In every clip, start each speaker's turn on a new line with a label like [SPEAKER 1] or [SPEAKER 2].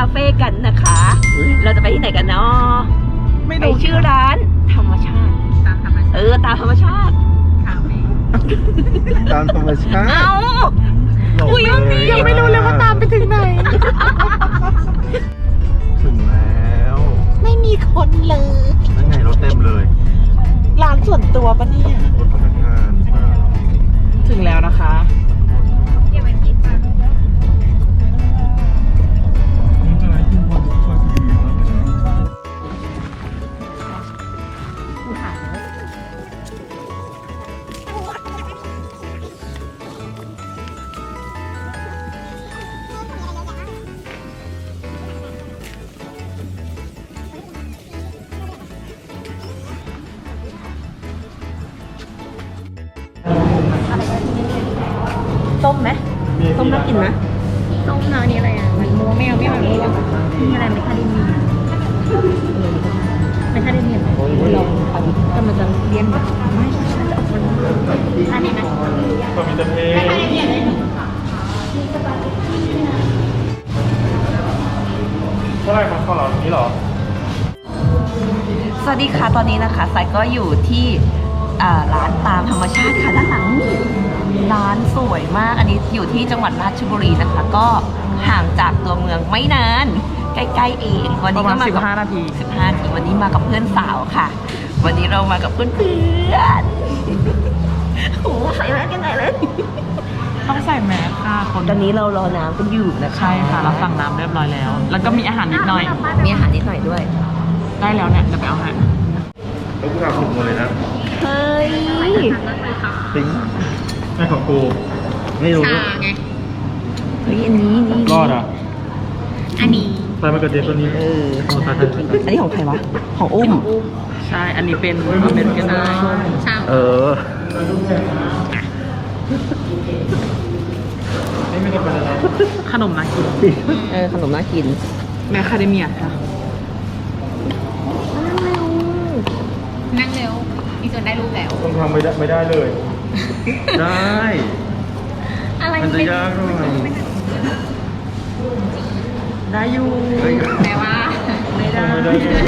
[SPEAKER 1] เฟ่กันนะคะ เราจะไปที่ไหนกันเนาะไปชื่อร้านธรรมชาติตามธรรมชาติตามธรรมชาติ
[SPEAKER 2] ตามธรรมชาติ
[SPEAKER 1] เอาอุ้ย
[SPEAKER 3] ยังไม่รู้เลยว่าตามไปถึงไหน
[SPEAKER 2] ถึงแล้ว
[SPEAKER 3] ไม่มีคนเลย
[SPEAKER 2] นั่นไงรถเต็มเลย
[SPEAKER 3] ร้านส่วนตัวปะเนี่ย
[SPEAKER 2] รถพนักงานเปล่า
[SPEAKER 3] ถึงแล้วนะคะ
[SPEAKER 1] ส้มไหมส้มน่ากินไหม
[SPEAKER 4] ส้มนะนี่อะไรอ่ะมันม่วงไม่เอาม่วงนี่อะไรไมคาเดเมียไมคาเดเมียลองก็มันจะเลี่ยนแบบไม่อันนี้นะ
[SPEAKER 2] ก็มีแต่เพลง
[SPEAKER 4] ไมคาเดเมียเลย
[SPEAKER 2] เท่าไหร่ครับข้าวหลามนี้หรอ
[SPEAKER 1] สวัสดีค่ะตอนนี้นะคะสายก็อยู่ที่ร้านตามธรรมชาติค่ะด้านหลังร้านสวยมากอันนี้อยู่ที่จังหวัดราชบุรีนะคะก็ห่างจากตัวเมืองไม่นานใกล้ๆเองวันนี้ก็มากับ
[SPEAKER 3] 15 นาที
[SPEAKER 1] 15 นาทีวันนี้มากับเพื่อนสาวค่ะ วันนี้เรามากับเพื่อนโอ้ใส่แมสกันไหนเลย
[SPEAKER 3] ต้องใส่แมสค่ะคน
[SPEAKER 1] ตอนนี้เรารอน้ำกันอยู่นะคะ
[SPEAKER 3] ใช่ค่ะเราสั่งน้ำเรียบร้อยแล้ว แล้วก็มีอาหารนิดหน่อย
[SPEAKER 1] มีอาหารนิดหน่อยด้วย
[SPEAKER 3] ได้แล้วเนี่ยเดี๋ยวไปเอาให้
[SPEAKER 2] แล้วกูทำถูกหมดเลยนะ
[SPEAKER 1] เฮ้ย
[SPEAKER 2] ทิ้งแม่ของกูไม่รู้
[SPEAKER 4] ชาไง
[SPEAKER 1] เฮ้ยอันนี้นี่
[SPEAKER 2] รอดอ่ะ
[SPEAKER 4] อันนี้
[SPEAKER 2] ไปมากระเจี๊ยบตัวนี้โอ้ตาย
[SPEAKER 1] อันนี้ของใครวะของอุ้ม
[SPEAKER 3] ใช่อันนี้เป็นอเมริกัน
[SPEAKER 4] ชา
[SPEAKER 2] เออ
[SPEAKER 3] ขนมน่ากิน
[SPEAKER 1] ขนมน่ากิน
[SPEAKER 3] แมคคาเดเมียค่ะ
[SPEAKER 4] นั่งเร็วมีส่วนได้รูปแล้ว
[SPEAKER 2] ต้องทำไม่ได้เลย ได้
[SPEAKER 4] อะไร
[SPEAKER 2] มันจะยากหน่อย
[SPEAKER 3] ได้อยู่
[SPEAKER 4] แปลว่า
[SPEAKER 3] ไม่ได้
[SPEAKER 2] ไม่ได้เลย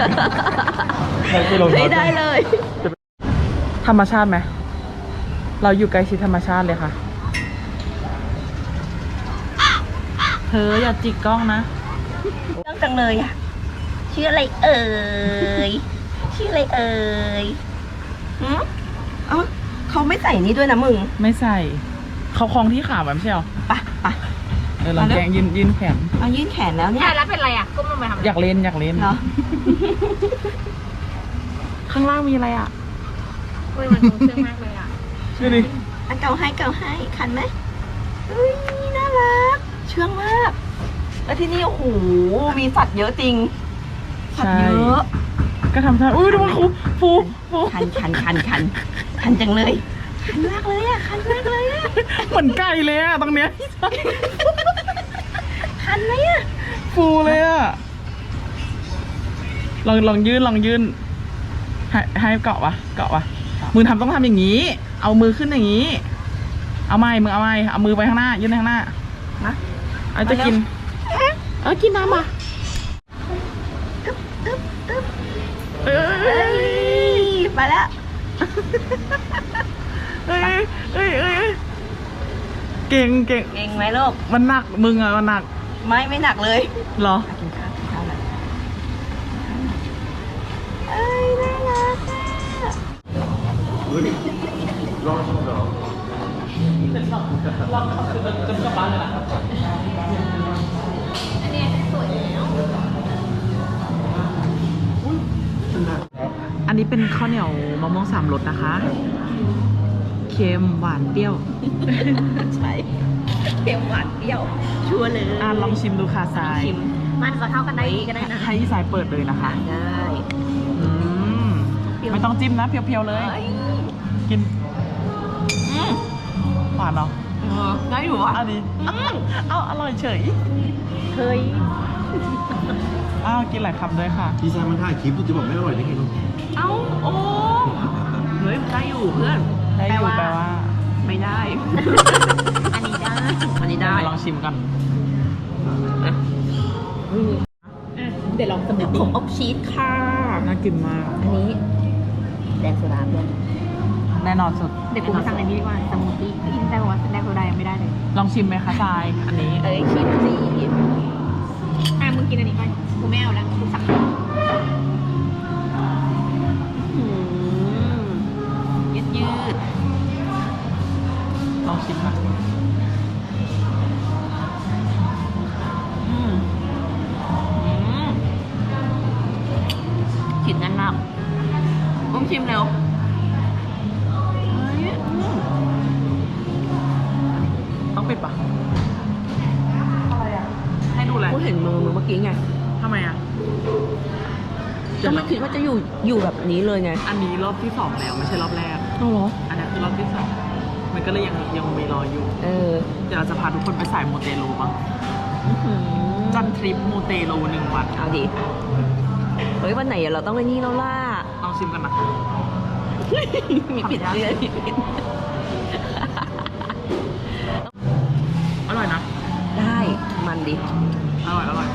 [SPEAKER 1] ไม่ได้เลย
[SPEAKER 3] ธรรมชาติไหมเราอยู่ใกล้ชิดธรรมชาติเลยค่ะเธออย่าจิกกล้องนะ
[SPEAKER 1] เรื่องจังเลยอ่ะชื่ออะไรเอ่ยชื่ออะไรเอ่ยหืมเอ้าเขาไม่ใส่นี่ด้วยนะมึง
[SPEAKER 3] ไม่ใส่เขาคล้องที่ขาแบบไม่ใช่หรอ
[SPEAKER 1] ไปไป
[SPEAKER 3] ลองแกงยืนแขน
[SPEAKER 1] เอายื่นแขนแล้วเนี่ย
[SPEAKER 4] แล้วเป็นไรอ่ะก้มลงไปทำอะไร
[SPEAKER 3] อยากเล่น
[SPEAKER 1] เหรอ
[SPEAKER 3] ข้างล่างมีอะไรอ่ะ
[SPEAKER 4] เฮ้ยมันคงเชื่องมากเลยอ่ะ
[SPEAKER 3] ดูดิ
[SPEAKER 1] อันเก่าให้คันไหมเฮ้ยน่ารักเชื่องมากแล้วที่นี่โอ้โหมีสัตว์เยอะจริงสัตว์เยอะ
[SPEAKER 3] ก็ทำท่าอุ้ยดูมันฟู
[SPEAKER 1] คันจังเลยคันมากเลยอ่ะคันมากเลยอ่ะ
[SPEAKER 3] เหมือนไก่เลยอ่ะตรงเนี้ย
[SPEAKER 1] คันไหมอ่ะ
[SPEAKER 3] ฟูเลยอ่ะลองยื่นให้เกาะวะมือต้องทำอย่างนี้ เอามือขึ้นอย่างนี้ เอาไม้เอามือไปข้างหน้ายื่นไปข้างหน้า
[SPEAKER 1] นะ
[SPEAKER 3] เอาจะกินกินน้ำอ่ะเอ้ย
[SPEAKER 1] มาแล้ว
[SPEAKER 3] เก่ง
[SPEAKER 1] เก่งไหมลูก
[SPEAKER 3] มันหนักมึงอ่ะมันหนัก
[SPEAKER 1] ไม่หนักเลย
[SPEAKER 3] เหรอ
[SPEAKER 1] กินข้าวหน่อยเอ้ยน่ารักอ่ะ
[SPEAKER 2] รอดเหรอ
[SPEAKER 4] อันนี้สวยแล้ว
[SPEAKER 3] อันนี้เป็นข้าวเหนียวมะม่วง3 รสนะคะ เค็มหวานเปรี้ยว
[SPEAKER 1] ใช่เค็มหวานเปรี้ยวชัวร์เลย
[SPEAKER 3] ลองชิมดูค่ะทราย
[SPEAKER 1] ชิม
[SPEAKER 4] มันจะเข้ากันได้ดีก็ได้นะ
[SPEAKER 3] ให้สายเปิดเลยนะคะ
[SPEAKER 1] ได้
[SPEAKER 3] อืมไม่ต้องจิ้มนะเพียวๆเลย
[SPEAKER 1] เอ้ย
[SPEAKER 3] กิน
[SPEAKER 1] อืม
[SPEAKER 3] หวานเหรอ
[SPEAKER 1] ได้อยู่อ่ะ
[SPEAKER 3] อันนี้เอาอร่อยเฉย
[SPEAKER 1] เคย
[SPEAKER 3] กินหลายคำด้วยค่ะ
[SPEAKER 2] พี่แซมมันถ่ายคลิปจะบอกไม่อร่อยได้ไงลูก
[SPEAKER 1] เอ้าโอ้เฮ้ยได้อยู่เพื่อน
[SPEAKER 3] ได้อยู่แปลว่า
[SPEAKER 1] ไม่ได้
[SPEAKER 4] อันนี้ได้
[SPEAKER 1] อันนี้ได้
[SPEAKER 3] ลองชิมกัน
[SPEAKER 1] อืม
[SPEAKER 4] เดี๋ยวลองสมูท
[SPEAKER 1] ผ
[SPEAKER 4] ตี้
[SPEAKER 1] มอบชีสค่ะ
[SPEAKER 3] น่ากินมาก
[SPEAKER 1] อันนี้แดงโซดาเพื่อน
[SPEAKER 3] แน่นอนสุด
[SPEAKER 4] เดี๋ยวกูมาสั่งในนี้ดีกว่าสมูทตี้อินแต่ว่าแดงโซดายังไม่ได้เลย
[SPEAKER 3] ลองชิมไหมคะทราย อันนี้
[SPEAKER 1] เอ้ยคิดสิ
[SPEAKER 4] มึงกินอันนี้ไปกูไม่เอาแล้วกูสั่ง
[SPEAKER 1] ยืดยืด
[SPEAKER 3] ลองชิมค่ะ
[SPEAKER 1] ขิดแน่นมากอุ้มชิมเร็ว
[SPEAKER 3] ต้องปิดปะให้ดูอะไร
[SPEAKER 1] กูเห็นมือเมื่อกี้ไง
[SPEAKER 3] ทำไมอ่ะ
[SPEAKER 1] ก็ไม่คิดว่าจะอยู่แบบนี้เลยไง
[SPEAKER 3] อันนี้รอบที่ 2 แล้วไม่ใช่รอบแรก
[SPEAKER 1] อ๋อเหรอ
[SPEAKER 3] อันนั้นคือรอบที่ 2 มันก็เลยยังมีรออยู่
[SPEAKER 1] เออ
[SPEAKER 3] เดี๋ยวเราจะพาทุกคนไปสายมูเตลูบ้างจันทริปมูเตลู1 วัน
[SPEAKER 1] เอาดิเฮ้ยวันไหนเราต้องไปนี่แล้วล่ะ
[SPEAKER 3] ลองชิมกันนะ
[SPEAKER 1] มีผิดเรื่องมีผิด
[SPEAKER 3] อร่อยนะ
[SPEAKER 1] ได้มันดิ
[SPEAKER 3] อร่อย อร่อย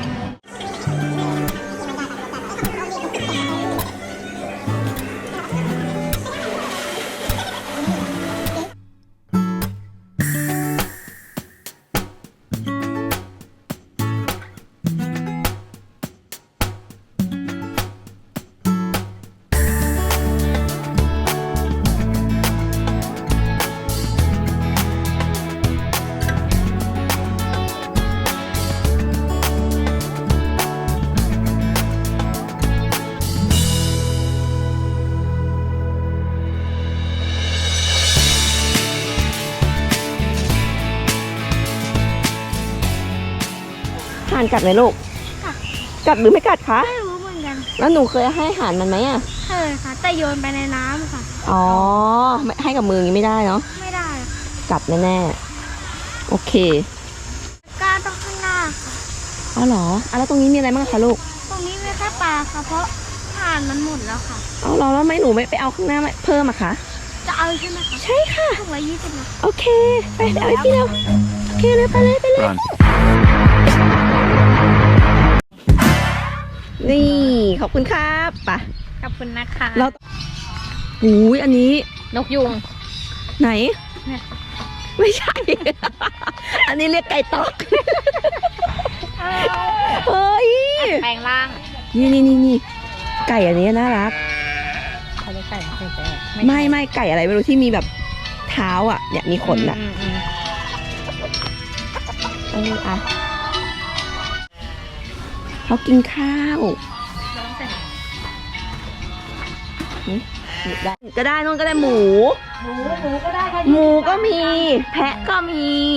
[SPEAKER 1] ห่านกัดไหมลูก กัดหรือไม่กัดคะ
[SPEAKER 5] ไม่รู้เหมือนกัน
[SPEAKER 1] แล้วหนูเคยให้อาหารมันไหมอ่ะ
[SPEAKER 5] เคยค่ะ แต่โยนไปในน้ำค่ะ
[SPEAKER 1] อ๋อไม่ให้กับมืออย่างนี้ไม่ได้เนาะ
[SPEAKER 5] ไม่ได้ค่ะ
[SPEAKER 1] กัดแน่ๆโอเค
[SPEAKER 5] กล้าต้องข้างหน้าค่ะ
[SPEAKER 1] อ๋อเหรออ่ะแล้วตรงนี้มีอะไรบ้างคะลูก
[SPEAKER 5] ตรงนี้มีแค่ปลาค่ะ เพราะห่านมันหมดแล้วค่ะ
[SPEAKER 1] เอาเหรอแล้วไม่หนูไม่ไปเอาข้างหน้าเพิ่มอะคะ
[SPEAKER 5] จะเอาใช่ไหมคะ
[SPEAKER 1] ใช่ค่ะ
[SPEAKER 5] ถุงละ20นะ
[SPEAKER 1] โอเค ไปเอาไอ้พี่เร็วโอเคเลยไปเลยไปเลย นี่ขอบคุณครับไป
[SPEAKER 5] ขอบคุณนะคะ
[SPEAKER 1] แล้วหูยอันนี้
[SPEAKER 5] นกยุง
[SPEAKER 1] ไหน
[SPEAKER 5] เนี่ย
[SPEAKER 1] ไม่ใช่ อันนี้เรียกไก่ตอก เฮ้ย
[SPEAKER 5] แปลงร่าง
[SPEAKER 1] นี่ไก่อันนี้น่ารัก
[SPEAKER 5] เขาเรียกไก่ไม่ใช่แปลง
[SPEAKER 1] ไม่ไก่อะไรไม่รู้ที่มีแบบเท้าอ่ะเนี่ยมีขนอ่ะอ่ะเขากินข้าวได้ก็ได้นู่นก็ได้หมูก็ได้หมูก็มี แพะก็มี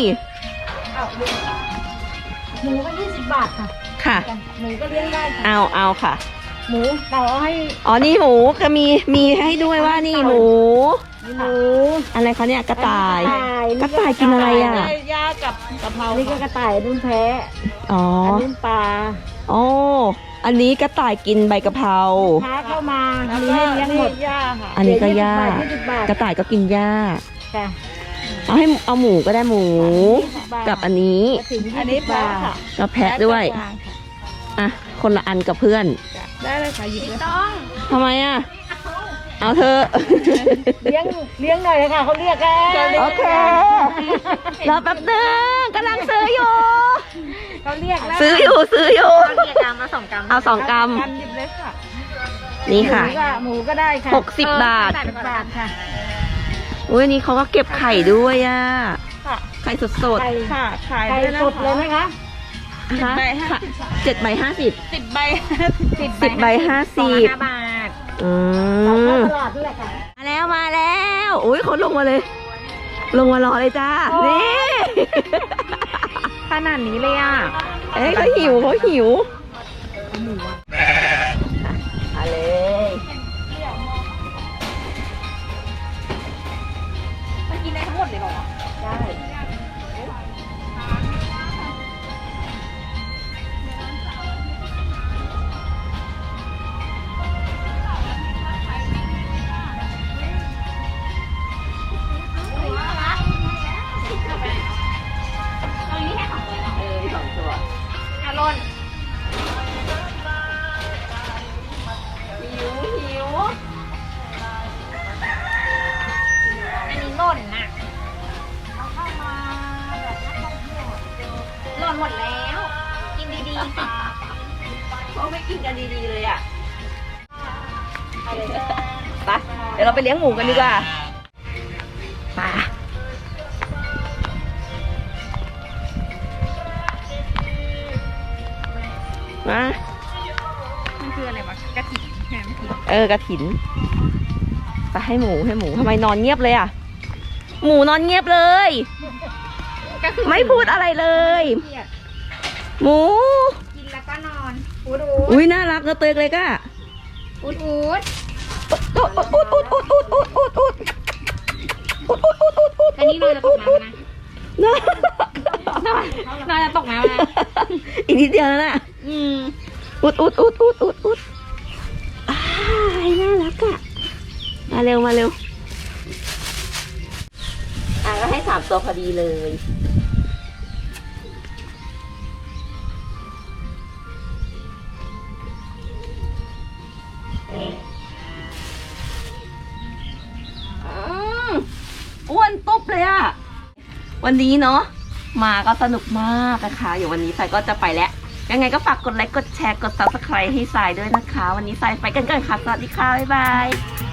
[SPEAKER 5] หมูก็20 บาทค่ะ
[SPEAKER 1] ค่ะ
[SPEAKER 5] หมูก็เลี้ยงได้ค่ะ
[SPEAKER 1] เอาค่ะ
[SPEAKER 5] หมูเราเอาให้
[SPEAKER 1] อ๋อนี่หมูก็มีให้ด้วยว่านี่หมู
[SPEAKER 5] หมู
[SPEAKER 1] อะไรคะเนี่ยกระต่าย กระต่ายกินอะไรอ่ะ
[SPEAKER 3] ย่ากับกะเพรา
[SPEAKER 5] นี่ก็กระต่ายนุ่นแพะ
[SPEAKER 1] อ๋อ
[SPEAKER 5] อันนุ่นปลา
[SPEAKER 1] อ๋ออันนี้กระต่ายกินใบกะเพรา
[SPEAKER 5] ค้าเข้ามามีให้เลี้ยงหมด
[SPEAKER 3] ย่าค่ะ
[SPEAKER 1] อันนี้ก็หญ้า
[SPEAKER 5] 20 บาท
[SPEAKER 1] กระต่ายก็กินหญ้า
[SPEAKER 5] ค่ะ
[SPEAKER 1] เอาหมูก็ได้หมู กับอันนี้
[SPEAKER 5] อันนี้ปลาค่ะ
[SPEAKER 1] กับแพะด้วย อ่ะ คนละอันกับเพื่อน
[SPEAKER 5] ได้เลยค่ะหยิบเลย
[SPEAKER 1] ทำไมอ่ะ เอาเธอะ
[SPEAKER 5] เลี้ยงหน่อยเลยค่ะเขาเรียกแล้ว
[SPEAKER 1] โอเค รอแป๊บนึงกำลังซื้ออยู่
[SPEAKER 5] เขาเรียกแล้ว
[SPEAKER 1] ซื้ออยู่
[SPEAKER 5] กี่กรัมมา2 กรัม
[SPEAKER 1] เอา2 กรัม
[SPEAKER 5] หยิบเลยค่ะ
[SPEAKER 1] นี่ค่ะ
[SPEAKER 5] หมูก็ได้ค่ะ
[SPEAKER 1] 60 บาท
[SPEAKER 5] 60 บาทค่ะ
[SPEAKER 1] อุ้ยอันนี้เขาก็เก็บไข่ด้วยอ่ะ ไข่สด
[SPEAKER 5] ไก่
[SPEAKER 3] ค่ะขาย
[SPEAKER 5] ไก่
[SPEAKER 3] ด้วยนะ
[SPEAKER 5] สดเลยไหมคะ
[SPEAKER 1] ๆนะคะ7 ใบ 50
[SPEAKER 3] 10 ใบ
[SPEAKER 1] 10 ใบ 50
[SPEAKER 5] 5 บาท
[SPEAKER 1] อื
[SPEAKER 5] เข้าม ตลาดนี่แหละค่ะ
[SPEAKER 1] มาแล้วอุ้ยเขาลงมาเลย ลงมารอเลยจ้า นี่
[SPEAKER 5] ขนาดนี้เลยอ่ะ
[SPEAKER 1] เอ้ยเขาหิวมาเลย
[SPEAKER 5] มันกินได้ทั้งหมดเลยเหรอ
[SPEAKER 1] ได้
[SPEAKER 5] อารอนหมดแล้ว กินดีๆค่ะ
[SPEAKER 1] เขาไม่กินกันดีๆเลยอ่ะไปเดี๋ยวเราไปเลี้ยงหมูกันดีกว่าไปมา
[SPEAKER 4] มันคืออะไรวะกระถิ่นใช่ไหมพี่
[SPEAKER 1] กระถินไปให้หมูทำไมนอนเงียบเลยอ่ะ หมูนอนเงียบเลย
[SPEAKER 4] ก็คือ
[SPEAKER 1] ไม่พูดอะไรเลย
[SPEAKER 4] เครียด
[SPEAKER 1] หมู
[SPEAKER 4] กินแล้วก็นอนอูด
[SPEAKER 1] อุ้ยน่ารักนะเตยเลยก้า
[SPEAKER 4] อูด
[SPEAKER 1] อุดอุดอุดอุดอุดอุดอุดอุดอุดอุดอุดอุดอุด
[SPEAKER 4] แต่นี่นอนจะตกน้ำนะ
[SPEAKER 1] นะ
[SPEAKER 4] นอนจะตกน้ำนะ
[SPEAKER 1] อีกนิดเดียวแล้วน่ะอุดอุดอุดอุดอุดอุดอ้ายน่ารักอ่ะมาเร็วก็ให้3 ตัวพอดีเลยอ้วนตุ๊บเลยอะวันนี้เนาะมาก็สนุกมากนะคะเดี๋ยววันนี้สายก็จะไปแล้วยังไงก็ฝากกดไลค์กดแชร์กด subscribe ให้สายด้วยนะคะ วันนี้สายไปกันก่อนค่ะสวัสดีค่ะบ๊ายบาย